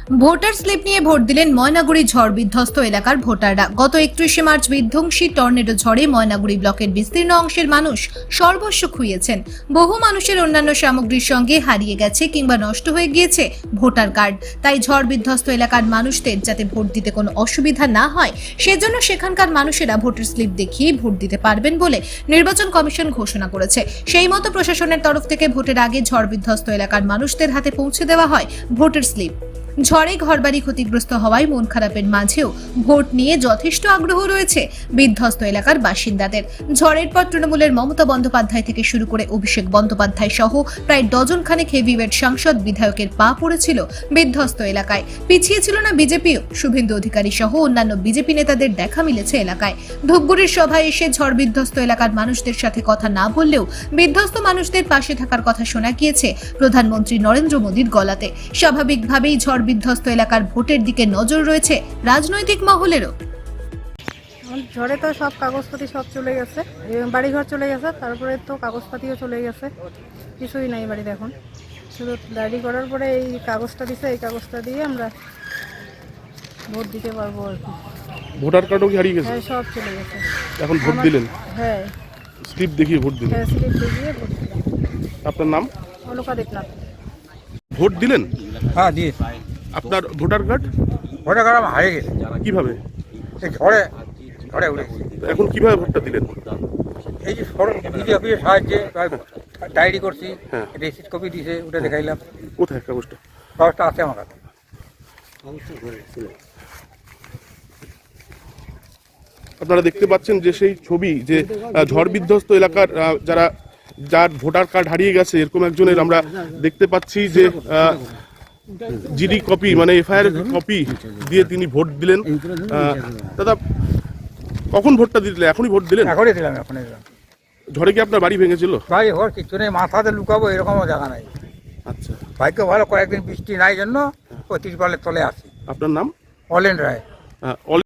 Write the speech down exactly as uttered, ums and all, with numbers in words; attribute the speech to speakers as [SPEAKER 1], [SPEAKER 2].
[SPEAKER 1] Voter slip নিয়ে vote দিলেন ময়নাগুড়ি ঝড় বিধ্বস্ত এলাকার ভোটাররা। গত একত্রিশে মার্চ বিধ্বংসী টর্নেডো ঝড়ে ময়নাগুড়ি ব্লকের বিস্তীর্ণ অংশের মানুষ সর্বস্ব খুইয়েছেন। বহু মানুষের অন্যান্য সামগ্রীর সঙ্গে হারিয়ে গেছে কিংবা নষ্ট হয়ে গিয়েছে ভোটার কার্ড। তাই ঝড় বিধ্বস্ত এলাকার মানুষদের যাতে ভোট দিতে কোনো অসুবিধা না হয় সেজন্য সেখানকার মানুষেরা ভোটার স্লিপ দেখিয়ে ভোট দিতে পারবেন বলে নির্বাচন কমিশন ঘোষণা করেছে। সেই মতো প্রশাসনের তরফ থেকে ভোটের আগে ঝড় বিধ্বস্ত এলাকার মানুষদের হাতে পৌঁছে দেওয়া হয় ভোটার স্লিপ। ঝড়ে ঘরবাড়ি ক্ষতিগ্রস্ত হওয়ায় মন খারাপের মাঝেও ভোট নিয়ে যথেষ্ট আগ্রহ রয়েছে বিধ্বস্ত এলাকার বাসিন্দাদের। ঝড়ের পর তৃণমূলের মমতা বন্দ্যোপাধ্যায় থেকে শুরু করে অভিষেক বন্দ্যোপাধ্যায় সহ প্রায় ডজন খানেক হেভিওয়েট সাংসদ বিধায়কের পা পড়েছিল বিধ্বস্ত এলাকায়। পিছিয়ে ছিল না বিজেপিও। শুভেন্দু অধিকারী সহ অন্যান্য বিজেপি নেতাদের দেখা মিলেছে এলাকায়। ধূপগুড়ির সভায় এসে ঝড় বিধ্বস্ত এলাকার মানুষদের সাথে কথা না বললেও বিধ্বস্ত মানুষদের পাশে থাকার কথা শোনা গিয়েছে প্রধানমন্ত্রী নরেন্দ্র মোদীর গলাতে। স্বাভাবিকভাবেই ঝড় বিধ্বস্ত এলাকার ভোটের দিকে নজর রয়েছে রাজনৈতিক মহলেরও।
[SPEAKER 2] ঝড়ে তো সব কাগজপাতি সব চলে গেছে, বাড়িঘর চলে গেছে, তারপরে তো কাগজপাতিও চলে গেছে, কিছুই নাই বাড়িতে এখন। শুধু ডায়েরি করার পরে এই কাগজটা দিছে, এই কাগজটা দিয়ে আমরা ভোট দিতে পারবো আর কি।
[SPEAKER 3] ভোটার কার্ডও কি হারিয়ে গেছে?
[SPEAKER 2] হ্যাঁ, সব চলে গেছে।
[SPEAKER 3] এখন ভোট
[SPEAKER 2] আমার-
[SPEAKER 3] দিলেন?
[SPEAKER 2] হ্যাঁ,
[SPEAKER 3] স্লিপ দেখিয়ে ভোট দিলেন?
[SPEAKER 2] হ্যাঁ, স্লিপ দিয়ে ভোট দিলাম।
[SPEAKER 3] আপনার নাম?
[SPEAKER 2] অলকা দেবনাথ।
[SPEAKER 3] ভোট দিলেন?
[SPEAKER 4] হ্যাঁ দিয়ে
[SPEAKER 3] আপনার ভোটার কার্ড
[SPEAKER 4] ভোটার কার্ড আমার হারিয়ে গেছে,
[SPEAKER 3] কিভাবে?
[SPEAKER 4] এই ঝড়ে ঝড়ে উড়ে গেছে।
[SPEAKER 3] এখন কিভাবে ভোটটা দিলেন?
[SPEAKER 4] এই যে সড়ক বিডি অফিসের সাহায্যে ডায়েরি করছি,
[SPEAKER 3] হ্যাঁ।
[SPEAKER 4] রিসিট কপি দিয়েছে, ওটা দেখাইলাম।
[SPEAKER 3] কোথায় কাগজটা?
[SPEAKER 4] কাগজটা আছে আমার কাছে।
[SPEAKER 3] আপনারা দেখতে পাচ্ছেন যে সেই ছবি যে আহ, ঝড় বিধ্বস্ত এলাকার আহ, যারা যার ভোটার কার্ড হারিয়ে গেছে এরকম একজনের আমরা দেখতে পাচ্ছি যে জিডি কপি মানে এফআইআর কপি দিয়ে তিনি ভোট দিলেন। আহ, দাদা কখন ভোটটা দিলেন? এখনই ভোট দিলেন?
[SPEAKER 4] এখনই দিলাম, এখনই দিলাম।
[SPEAKER 3] ঝড়ে কি আপনার বাড়ি ভেঙেছিল?
[SPEAKER 4] ভাই ওর কিছু নেই, মাথাতে লুকাবো এরকমও জায়গা নাই।
[SPEAKER 3] আচ্ছা,
[SPEAKER 4] ভাগ্য ভালো, কয়েকদিন বৃষ্টি নাই জন্য ওই তিরপালের তলে আসি।
[SPEAKER 3] আপনার নাম?
[SPEAKER 4] অলেন রায়।
[SPEAKER 3] আহ,